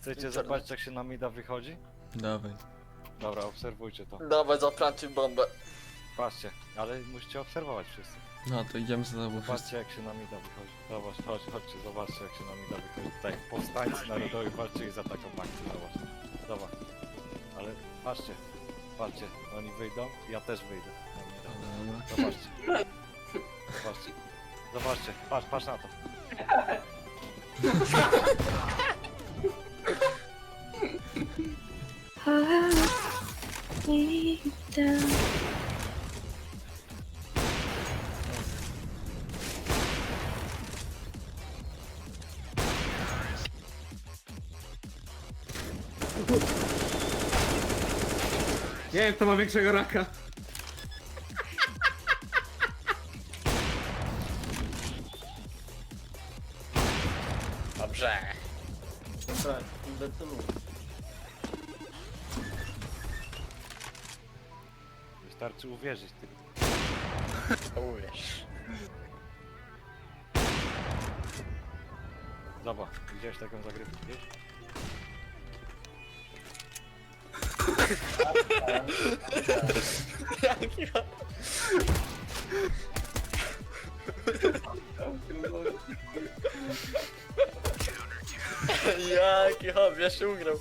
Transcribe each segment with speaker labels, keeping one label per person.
Speaker 1: Chcecie zobaczyć jak się na mida wychodzi?
Speaker 2: Dawaj.
Speaker 1: Dobra, obserwujcie to.
Speaker 3: Dawaj, zaplantuj bombę.
Speaker 1: Patrzcie, ale musicie obserwować wszyscy.
Speaker 2: No to idziemy za tobą wszyscy.
Speaker 1: Patrzcie jak się na mida wychodzi. Zobacz, chodźcie, zobaczcie jak się na mida wychodzi. Tutaj powstańcy narodowi walczyli za taką akcję, zobacz. Ale patrzcie, oni wyjdą, ja też wyjdę.
Speaker 2: Dobra.
Speaker 1: Zobaczcie, patrz na to.
Speaker 4: Nie wiem, kto ma większego raka.
Speaker 3: Dobrze.
Speaker 4: Dobra, inwentylu.
Speaker 1: Wystarczy uwierzyć tylko.
Speaker 3: Uwierz.
Speaker 1: Zobacz, widziałeś taką zagrywkę, wiesz?
Speaker 3: Jaki hop, ja się ugrał.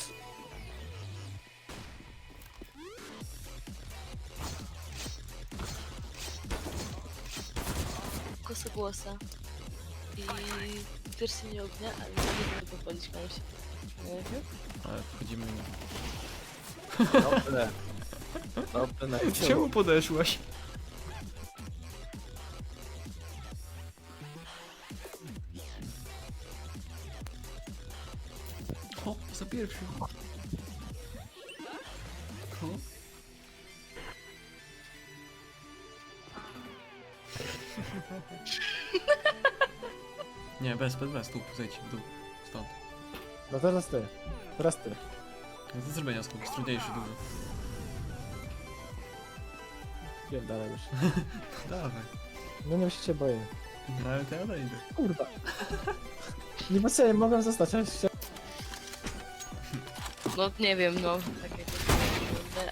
Speaker 5: Kosogłosa i pierścień ognia, ale nie mogę popalić komuś.
Speaker 2: Ale wchodzimy.
Speaker 4: Dobre. Dobre na
Speaker 2: Czemu podeszłaś? O, za pierwszy. O. Nie, bez, tu, zejdź w dół, stąd.
Speaker 4: No teraz ty. Teraz ty.
Speaker 2: Do zrobienia skok, jest trudniejszy dużo.
Speaker 4: Pierdalaj już.
Speaker 2: Dawaj.
Speaker 4: No nie się boję.
Speaker 2: No ale to ja dojdę.
Speaker 4: Kurwa. Nie po co, mogłem zostać, ale się...
Speaker 5: No nie wiem, no. Tak jakoś wygląda.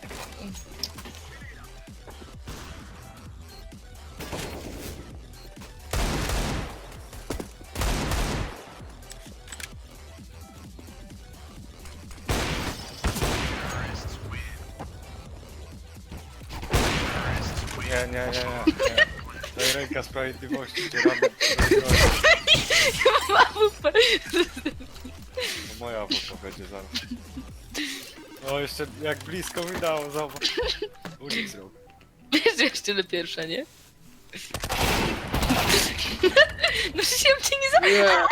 Speaker 1: Nie. To jest ręka sprawiedliwości, cię rady.
Speaker 5: Mam AWP.
Speaker 1: To moja AWP będzie zaraz. O, jeszcze jak blisko mi dało, zobacz. Unik zrobił.
Speaker 5: Wiesz, że jeszcze na pierwsza, nie? No przecież ja bym cię nie zabrał.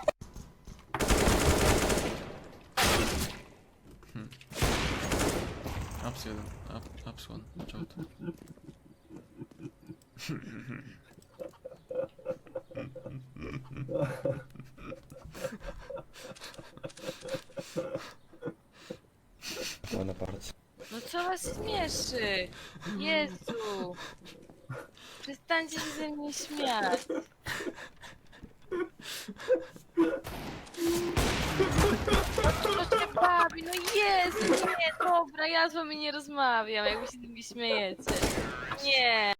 Speaker 2: Ups jeden, ups one, watch out.
Speaker 5: No co was śmieszy? Jezu. Przestańcie się ze mnie śmiać. No to się bawi, no Jezu, nie, dobra, ja z wami nie rozmawiam, jak wy się z nimi śmiejecie. Nie.